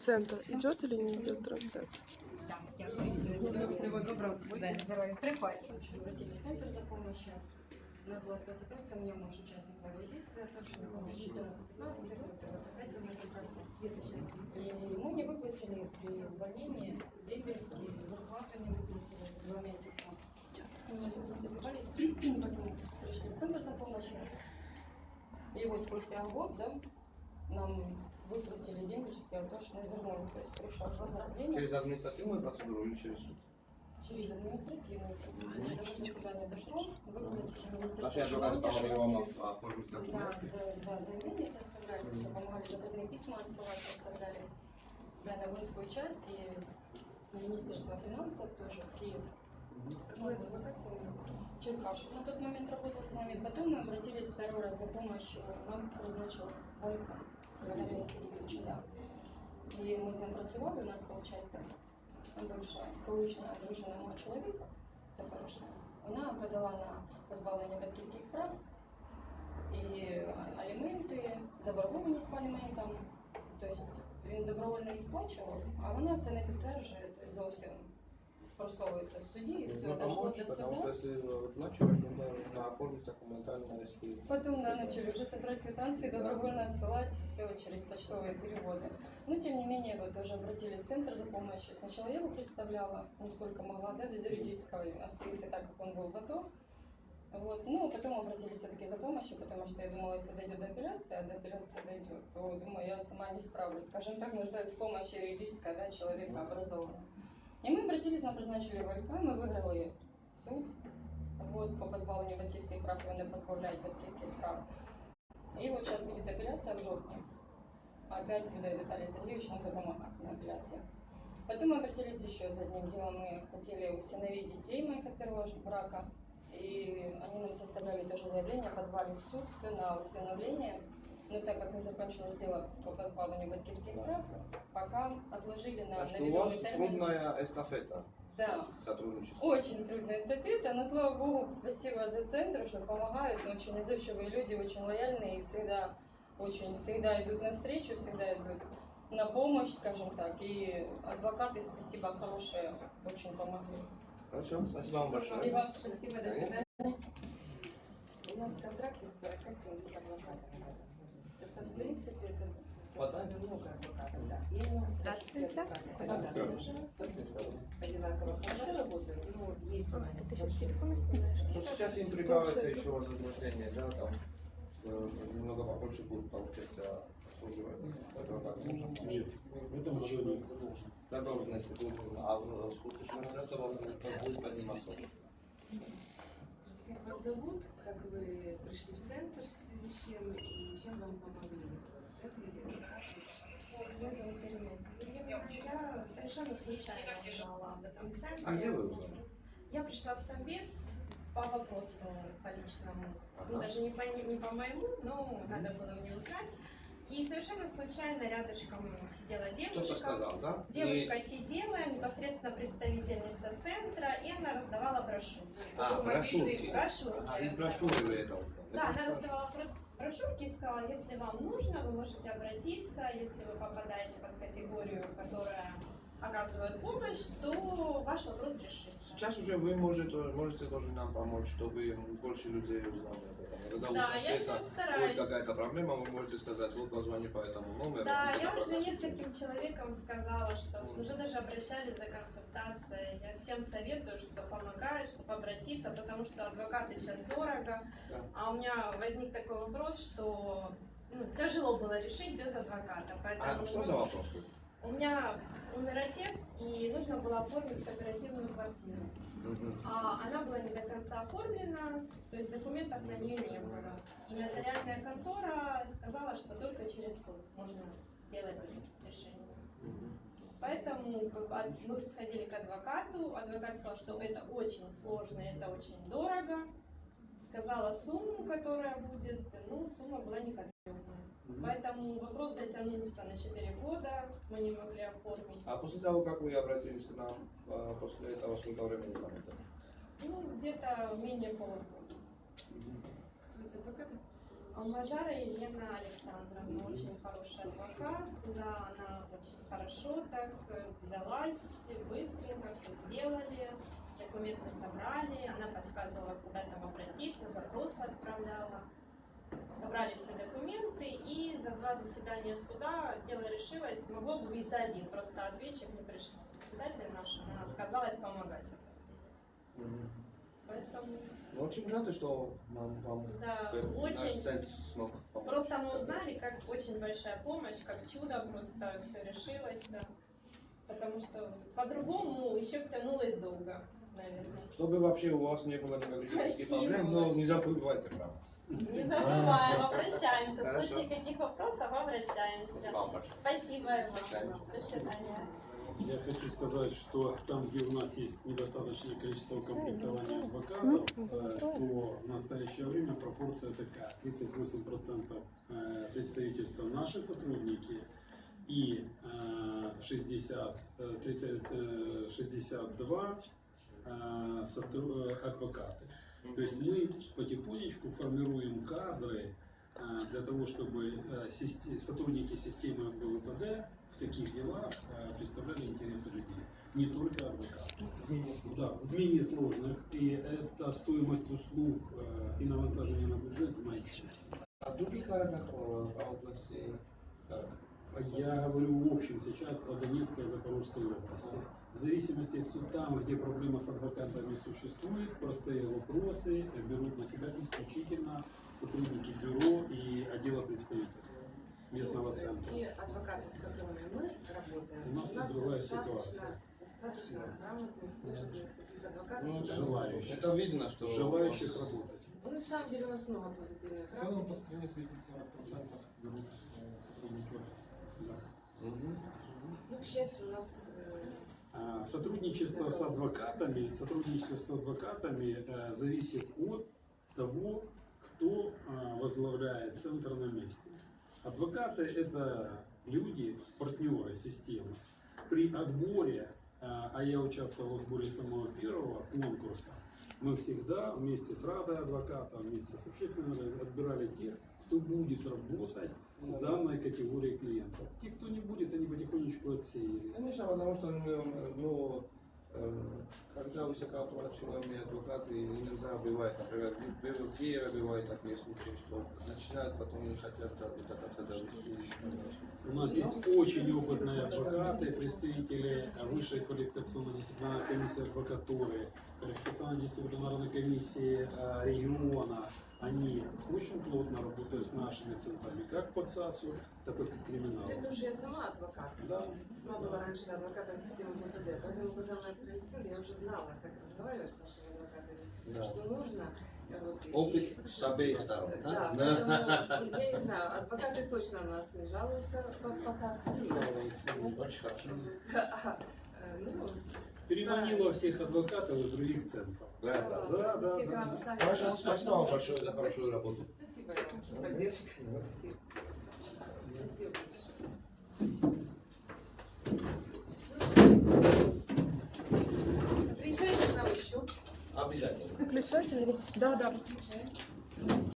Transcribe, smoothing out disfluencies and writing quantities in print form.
Центр идет или не идет трансляция? Обратились в центр за помощью. У нас была такая ситуация, у меня муж участник боевых действий, точно 14-15 год, опять умер прекрасно. И ему не выплатили при увольнении дембельские, зарплату не выплатили за 2 месяца. Мы позвали, потом пришли в центр за помощью. И вот спустя год, да, нам выплатили дембельские, а то, что вернули. То есть пришел возрождение. Через административную процедуру или через суд? Через административную процедуру. Даже до суда не дошло, выплатили Министерство Наши адвокаты помогли вам оформить документы? Да, заявление составляли, все помогали, заказные письма отсылать составляли. Да, на воинскую часть и Министерство финансов тоже в Киев. Какой адвокат с вами? Черкаш. На тот момент работал с нами. Потом мы обратились второй раз за помощью. Нам призначил Ольга Галина Сергеевича, да. І ми з ним працювали, у нас, виходить, бивша колишня дружина мого чоловіка, теперішня, вона подала на позбавлення батьківських прав і аліменти, заборгованість по аліментам. Тобто він добровольно їх сплачував, а вона це не підтверджує, тобто зовсім спростовується в суді, і все, дошло до суда. Потому что если выплачиваешь, нужно оформить документально, если... Потом, да, начали уже собирать квитанции, добровольно отсылать все через почтовые переводы. Но, тем не менее, вот тоже обратились в центр за помощью. Сначала я его представляла, насколько могла, да, без юридического оставить так, как он был в АТО. Вот. Ну, потом обратились все-таки за помощью, потому что я думала, если дойдет до апелляции, а до апелляции дойдет, то, думаю, я сама не справлюсь. Скажем так, нуждаюсь в помощи юридической, да, человека образованного. И мы обратились, нам назначили ВЛК, мы выиграли суд. Вот, по позбавлению батьківських прав, вони позбавляють батьківських прав. И вот сейчас будет апелляция в жовтні. Опять будет Виталий Сергеевич нам помогать на апелляции. Потом мы обратились еще за одним делом. Мы хотели усыновить детей моих от первого брака. И они нам составляли тоже заявление, подвали в суд, все на усыновление. Но так как не закончилось дело по позбавлению батьківських прав, пока отложили на наведенный термин. Трудная эстафета. Да. Сотрудничество. Очень трудная эстафета, но слава богу, спасибо за центр, что помогают, но очень отзывчивые люди, очень лояльные и всегда идут навстречу, всегда идут на помощь, скажем так. И адвокаты, спасибо, хорошие, очень помогли. Хорошо, спасибо вам большое. И вам спасибо, до свидания. У нас контракт из 47 адвокатов. Это, в принципе, это достаточно много адвокатов, да. Я не могу сказать, что все адвокаты одинаково хорошо работают, но есть у нас большой. Ну, сейчас им прибавится еще вознаграждение, да, там немного побольше будут получаться обслуживать адвокатов. Нет, это уже не задолженность. Задолженности будут, а в случае задолженности будет подниматься. Как вас зовут, как вы пришли в центр, в связи с чем и чем вам помогли в центре или адвокаты? Меня зовут Ирина. Я совершенно случайно узнала об этом центре. А где вы узнали? Я пришла в Совбез по вопросу, по личному, ну, даже не по моему, но надо было мне узнать. И совершенно случайно рядышком сидела девушка. Кто-то сказал, да? Девушка сидела, непосредственно представительница центра, и она раздавала брошюрки. Брошюрки. Брошюрки. Из брошюры вы это узнали? Да, она раздавала брошюрки и сказала, если вам нужно, вы можете обратиться, если вы попадаете под категорию, которая оказывает помощь, то ваш вопрос решится. Сейчас уже вы можете тоже нам помочь, чтобы больше людей узнали об этом. Когда да, у я сейчас стараюсь. Будет какая-то проблема, вы можете сказать, вот позвони по этому номеру. Да, я уже нескольким человекам сказала, что уже даже обращались за консультацией. Я всем советую, что помогает, чтобы обратиться, потому что адвокаты сейчас дорого. Да. А у меня возник такой вопрос, что тяжело было решить без адвоката. Поэтому, что за вопрос? У меня умер отец, и нужно было оформить кооперативную квартиру. А она была не до конца оформлена, то есть документов на нее не было. И нотариальная контора сказала, что только через суд можно сделать это решение. Поэтому мы сходили к адвокату, адвокат сказал, что это очень сложно, это очень дорого. Сказала сумму, которая будет, сумма была неподъемная. Поэтому вопрос затянулся на 4 года, мы не могли оформить. А после того, как вы обратились к нам, после этого сколько времени там это? Где-то менее полугода. Кто из адвокатов Мажара Елена Александровна, очень хороший адвокат, да, она очень хорошо так взялась, быстренько все сделали, документы собрали, она подсказывала, куда там обратиться, запросы отправляла. Собрали все документы, и за 2 заседания суда дело решилось, могло бы и за 1, просто ответчик не пришел. Председатель наш, она отказалась помогать в этом деле. Поэтому... Ну, очень рады, что вам Да, наш очень. центр смог помочь. Просто мы узнали, как очень большая помощь, как чудо, просто все решилось, да. Потому что по-другому еще бы тянулось долго, наверное. Чтобы вообще у вас не было никаких юридических проблем, но не забывайте, правда. Не забываем, обращаемся. В Хорошо. случае каких вопросов обращаемся. Спасибо вам большое. Спасибо вам. До свидания. Я хочу сказать, что там, где у нас есть недостаточное количество комплектования адвокатов, то в настоящее время пропорция такая: 38% представительства наши сотрудники и 62 адвокаты. То есть мы потихонечку формируем кадры для того, чтобы сотрудники системы МВПД в таких делах представляли интересы людей, не только адвокаты. Да, в менее сложных, и это стоимость услуг и навантажение на бюджет, знаете. А в других городах по области как? Я говорю в общем сейчас о Донецкой и Запорожской области. В зависимости от суда, там, где проблема с адвокатами существует, простые вопросы берут на себя исключительно сотрудники бюро и отдела представительства местного центра. Те адвокаты, с которыми мы работаем, У нас тут другая ситуация. достаточно грамотных, опытных таких адвокатов. Ну, Желающих. это видно, что Желающих работать. Ну, на самом деле у нас много позитивных В целом по стране 30-40% берут сотрудники офиса. Да. Ну, к счастью, у нас Сотрудничество с адвокатами зависит от того, кто возглавляет центр на месте. Адвокаты – это люди, партнеры системы. При отборе, а я участвовал в отборе самого первого конкурса, мы всегда вместе с Радой адвоката, вместе с общественным отбирали тех, кто будет работать с данной категорией клиентов. Те, кто не будет, они потихонечку отсеялись. Конечно, потому что когда высокооплачиваемые адвокаты иногда бывает, например, в Киеве бывает такие случаи, что начинают, потом не хотят до конца довести. У нас есть очень опытные адвокаты, представители Высшей квалификационно-дисциплинарной комиссии адвокатуры, квалификационно-дисциплинарной комиссии региона. Они очень плотно работают с нашими центрами, как по ЦАСу, так и по криминалу. это уже я сама адвокат. Да. Сама была раньше адвокатом системы МВПД, поэтому, когда мы открыли центр, я уже знала, как разговаривать с нашими адвокатами, Да. что нужно. Опыт с обеих сторон, да? Да, поэтому, я не знаю, адвокаты точно на нас не жалуются пока. Очень хорошо. Ну, Переманила всех адвокатов из других центров. Да. все к нам сами. Хорошо, спасибо вам большое за хорошую работу. Спасибо вам за поддержку. Спасибо. Спасибо большое. Приезжайте к нам еще. Обязательно. Выключатель? Да, выключаем.